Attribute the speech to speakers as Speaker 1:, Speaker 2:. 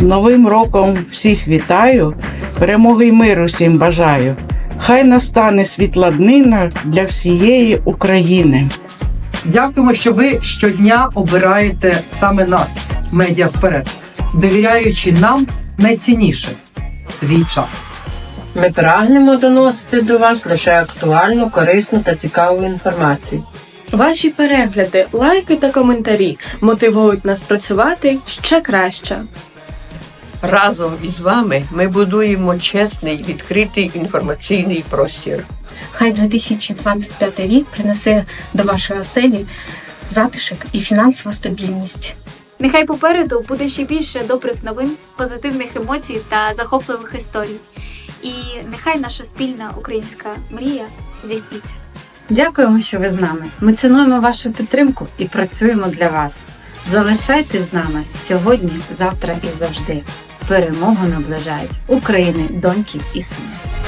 Speaker 1: З Новим роком всіх вітаю, перемоги й миру всім бажаю. Хай настане світла днина для всієї України.
Speaker 2: Дякуємо, що ви щодня обираєте саме нас, Медіа Вперед, довіряючи нам найцінніше – свій час.
Speaker 3: Ми прагнемо доносити до вас лише актуальну, корисну та цікаву інформацію.
Speaker 4: Ваші перегляди, лайки та коментарі мотивують нас працювати ще краще.
Speaker 5: Разом із вами ми будуємо чесний, відкритий інформаційний простір.
Speaker 6: Хай 2025 рік принесе до вашої оселі затишок і фінансову стабільність.
Speaker 7: Нехай попереду буде ще більше добрих новин, позитивних емоцій та захопливих історій. І нехай наша спільна українська мрія здійсниться.
Speaker 8: Дякуємо, що ви з нами. Ми цінуємо вашу підтримку і працюємо для вас. Залишайтесь з нами сьогодні, завтра і завжди. Перемогу наближають України, доньки і сини.